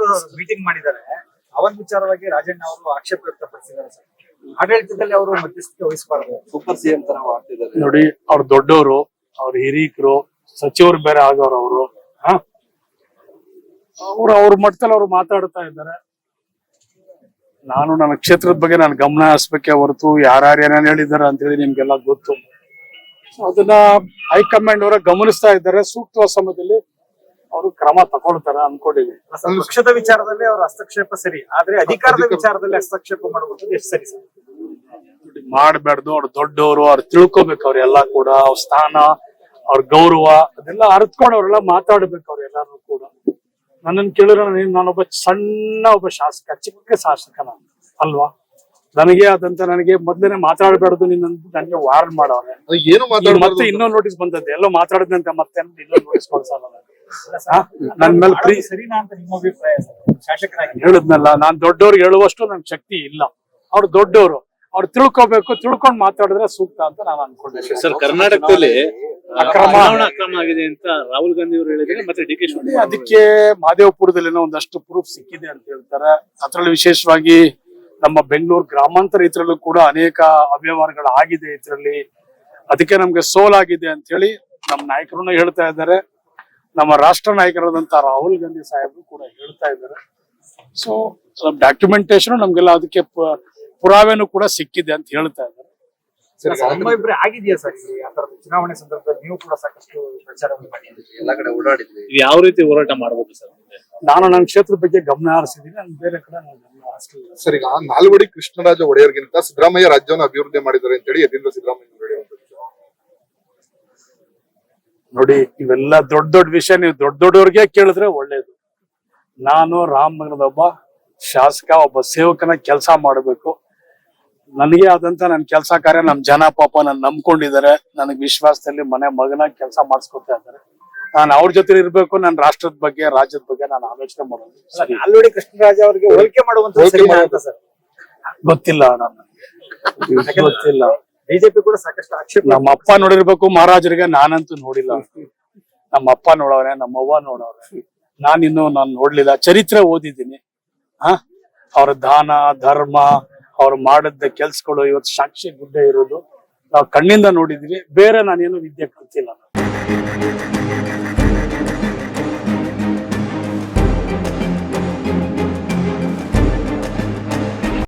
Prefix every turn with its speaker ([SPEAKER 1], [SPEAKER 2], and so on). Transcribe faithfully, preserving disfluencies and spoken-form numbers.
[SPEAKER 1] Meeting ಮಾಡಿದ್ದಾರೆ. ಅವನ್ ವಿಚಾರವಾಗಿ ರಾಜಣ್ಣ ಅವರು ಆಕ್ಷೇಪ ವ್ಯಕ್ತಪಡಿಸಿದ್ದಾರೆ ಸರ್. ಆಡಳಿತದಲ್ಲಿ ಅವರು ಮಧ್ಯಸ್ಥಿಕೆ ವಹಿಸಬಾರದು, ಸೂಪರ್ ಸಿಎಂ ತರ ಮಾಡ್ತಿದ್ದಾರೆ.
[SPEAKER 2] ನೋಡಿ, ಅವ್ರ ದೊಡ್ಡವರು, ಅವ್ರ ಹಿರೀಕರು, ಸಚಿವರು ಬೇರೆ ಆಗೋರು ಅವರು. ಹ ಅವ್ರು ಅವ್ರ ಮಟ್ಟದಲ್ಲಿ ಅವ್ರು ಮಾತಾಡ್ತಾ ಇದ್ದಾರೆ. ನಾನು ನನ್ನ ಕ್ಷೇತ್ರದ ಬಗ್ಗೆ ನಾನು ಗಮನ ಹರಿಸ್ಬೇಕೆ ಹೊರತು ಯಾರ್ಯಾರು ಏನೇನ್ ಹೇಳಿದ್ದಾರೆ ಅಂತ ಹೇಳಿ ನಿಮ್ಗೆಲ್ಲ ಗೊತ್ತು. ಅದನ್ನ ಹೈಕಮಾಂಡ್ ಅವರ ಗಮನಿಸ್ತಾ ಇದ್ದಾರೆ. ಸೂಕ್ತ ಸಮಯದಲ್ಲಿ ಅವರು ಕ್ರಮ ತಗೊಳ್ತಾರೆ ಅನ್ಕೊಂಡಿದ್ದೀನಿ.
[SPEAKER 1] ಪಕ್ಷದ ವಿಚಾರದಲ್ಲಿ ಅವರ ಹಸ್ತಕ್ಷೇಪ ಸರಿ, ಆದ್ರೆ ಅಧಿಕಾರದ ವಿಚಾರದಲ್ಲಿ ಹಸ್ತಕ್ಷೇಪ ಮಾಡುವಂತದ್ದು ಎಷ್ಟು ಸರಿ ಸರ್?
[SPEAKER 2] ಮಾಡ್ಬಾರ್ದು. ಅವ್ರು ದೊಡ್ಡವರು, ಅವ್ರು ತಿಳ್ಕೊಬೇಕು. ಅವ್ರೆಲ್ಲಾ ಕೂಡ ಅವ್ರ ಸ್ಥಾನ, ಅವ್ರ ಗೌರವ ಅದೆಲ್ಲ ಅರ್ತ್ಕೊಂಡು ಅವ್ರೆಲ್ಲ ಮಾತಾಡ್ಬೇಕು. ಅವ್ರ ಎಲ್ಲಾರು ಕೂಡ ನನ್ನನ್ನು ಕೇಳಿದ್ರೆ ನಾನೊಬ್ಬ ಸಣ್ಣ ಒಬ್ಬ ಶಾಸಕ, ಚಿಕ್ಕ ಶಾಸಕ ನಾನು ಅಲ್ವಾ. ನನಗೆ ಆದಂತ ನನಗೆ ಮೊದ್ಲೇನೆ ಮಾತಾಡಬಾರ್ದು ನಿನ್ನಂತ ನನಗೆ ವಾರ್ನ್ ಮಾಡವ್ರೆ.
[SPEAKER 3] ಏನು
[SPEAKER 2] ಮತ್ತೆ ಇನ್ನೊಂದು ನೋಟಿಸ್ ಬಂದದ್ದು, ಎಲ್ಲೋ ಮಾತಾಡಿದಂತೆ ಮತ್ತೆ ಇನ್ನೊಂದು ನೋಟಿಸ್ ಕೊಡ್ಸಲ್ಲ. ನನ್ ಮೇಲೆ ಪ್ರೀ
[SPEAKER 1] ಸರಿನಾ ಅಂತ ನಿಮ್ಮ ಅಭಿಪ್ರಾಯ ಶಾಸಕರಾಗಿ?
[SPEAKER 2] ಹೇಳಿದ್ನಲ್ಲ, ನಾನ್ ದೊಡ್ಡವ್ರಿಗೆ ಹೇಳುವಷ್ಟು ನನ್ ಶಕ್ತಿ ಇಲ್ಲ. ಅವ್ರು ದೊಡ್ಡವರು, ಅವ್ರು ತಿಳ್ಕೊಬೇಕು. ತಿಳ್ಕೊಂಡ್ ಮಾತಾಡಿದ್ರೆ ಸೂಕ್ತ ಅಂತ ನಾನು ಅನ್ಕೊಂಡಿದ್ದೀನಿ.
[SPEAKER 4] ಸರ್, ಕರ್ನಾಟಕದಲ್ಲಿ
[SPEAKER 2] ಅಕ್ರಮ
[SPEAKER 4] ಅಕ್ರಮ ಆಗಿದೆ ಅಂತ ರಾಹುಲ್ ಗಾಂಧಿ ಅವರು ಹೇಳಿದ್ರೆ, ಮತ್ತೆ ಡಿ ಕೆ ಶಿವಕುಮಾರ್
[SPEAKER 2] ಅದಕ್ಕೆ ಮಹದೇವಪುರದಲ್ಲಿ ಒಂದಷ್ಟು ಪ್ರೂಫ್ ಸಿಕ್ಕಿದೆ ಅಂತ ಹೇಳ್ತಾರೆ. ಅದ್ರಲ್ಲಿ ವಿಶೇಷವಾಗಿ ನಮ್ಮ ಬೆಂಗಳೂರು ಗ್ರಾಮಾಂತರ ಇದ್ರಲ್ಲೂ ಕೂಡ ಅನೇಕ ಅವ್ಯವಹಾರಗಳು ಆಗಿದೆ ಇದರಲ್ಲಿ. ಅದಕ್ಕೆ ನಮ್ಗೆ ಸೋಲಾಗಿದೆ ಅಂತ ಹೇಳಿ ನಮ್ಮ ನಾಯಕರನ್ನು ಹೇಳ್ತಾ ಇದ್ದಾರೆ. ನಮ್ಮ ರಾಷ್ಟ್ರ ನಾಯಕರಾದಂತ ರಾಹುಲ್ ಗಾಂಧಿ ಸಾಹೇಬರು ಕೂಡ ಹೇಳ್ತಾ ಇದ್ದಾರೆ. ಸೊ ಡಾಕ್ಯುಮೆಂಟೇಶನ್ ನಮ್ಗೆಲ್ಲ ಅದಕ್ಕೆ ಪುರಾವೆನೂ ಕೂಡ ಸಿಕ್ಕಿದೆ ಅಂತ ಹೇಳ್ತಾ ಇದ್ದಾರೆ.
[SPEAKER 1] ಅಭಿಪ್ರಾಯ ಆಗಿದೆಯಾ ಸರ್? ಚುನಾವಣೆ ಸಂದರ್ಭದಲ್ಲಿ ನೀವು ಕೂಡ ಸಾಕಷ್ಟು ಪ್ರಚಾರ ಮಾಡಿದ್ರಿ, ಎಲ್ಲಾ ಕಡೆ ಓಡಾಡಿದ್ರಿ.
[SPEAKER 4] ಯಾವ ರೀತಿ ಹೋರಾಟ ಮಾಡಬಹುದು ಸರ್?
[SPEAKER 2] ನಾನು ನನ್ನ ಕ್ಷೇತ್ರದ ಬಗ್ಗೆ ಗಮನ ಹರಿಸಿದ್ದೀನಿ. ನಾನು ಬೇರೆ ಕಡೆ ನಾನು ಗಮನ ಹರಿಸಲಿಲ್ಲ.
[SPEAKER 3] ಸರ್, ಈಗ ನಾಲ್ವಡಿ ಕೃಷ್ಣರಾಜ ಒಡೆಯರ್ಗಿಂತ ಸಿದ್ದರಾಮಯ್ಯ ರಾಜ್ಯವನ್ನು ಅಭಿವೃದ್ಧಿ ಮಾಡಿದ್ದಾರೆ ಅಂತ ಹೇಳಿ ಯತೀಂದ್ರ ಸಿದ್ದರಾಮಯ್ಯ ಹೇಳುವಂಥದ್ದು.
[SPEAKER 2] ನೋಡಿ, ಇವೆಲ್ಲ ದೊಡ್ಡ ದೊಡ್ಡ ವಿಷಯ ನೀವು ದೊಡ್ಡ ದೊಡ್ಡವ್ರಿಗೆ ಕೇಳಿದ್ರೆ ಒಳ್ಳೇದು. ನಾನು ರಾಮನಗರದ ಒಬ್ಬ ಶಾಸಕ, ಒಬ್ಬ ಸೇವಕನ ಕೆಲಸ ಮಾಡಬೇಕು. ನನಗೆ ಆದಂತ ನನ್ನ ಕೆಲಸ ಕಾರ್ಯ ನಮ್ ಜನ ಪಾಪ ನನ್ ನಂಬ್ಕೊಂಡಿದ್ದಾರೆ. ನನಗ್ ವಿಶ್ವಾಸದಲ್ಲಿ ಮನೆ ಮಗನಾಗಿ ಕೆಲಸ ಮಾಡಿಸ್ಕೊತಾ ಇದ್ದಾರೆ. ನಾನು ಅವ್ರ ಜೊತೆ ಇರ್ಬೇಕು. ನನ್ನ ರಾಷ್ಟ್ರದ ಬಗ್ಗೆ, ರಾಜ್ಯದ ಬಗ್ಗೆ ನಾನು ಆಲೋಚನೆ ಮಾಡೋದು.
[SPEAKER 1] ನಾಲ್ವಡಿ ಕೃಷ್ಣರಾಜ ಅವರಿಗೆ ಹೋಲಿಕೆ ಮಾಡುವಂತ ಸರ್
[SPEAKER 2] ಗೊತ್ತಿಲ್ಲ, ನನಗೆ ಗೊತ್ತಿಲ್ಲ.
[SPEAKER 1] ಬಿಜೆಪಿ ಕೂಡ ಸಾಕಷ್ಟು ಆಕ್ಷೇಪ.
[SPEAKER 2] ನಮ್ಮ ಅಪ್ಪ ನೋಡಿರ್ಬೇಕು ಮಹಾರಾಜರಿಗೆ, ನಾನಂತೂ ನೋಡಿಲ್ಲ. ನಮ್ಮ ಅಪ್ಪ ನೋಡವ್ರೆ, ನಮ್ಮವ್ವ ನೋಡವ್ರೆ, ನಾನಿನ್ನು ನಾನು ನೋಡ್ಲಿಲ್ಲ. ಚರಿತ್ರೆ ಓದಿದ್ದೀನಿ. ಹ ಅವ್ರ ದಾನ ಧರ್ಮ, ಅವ್ರು ಮಾಡಿದ ಕೆಲ್ಸಗಳು ಇವತ್ತು ಸಾಕ್ಷಿ ಗುಡ್ಡ ಇರೋದು ನಾವು ಕಣ್ಣಿಂದ ನೋಡಿದೀವಿ. ಬೇರೆ ನಾನೇನು ವಿದ್ಯೆ ಕಲ್ತಿಲ್ಲ.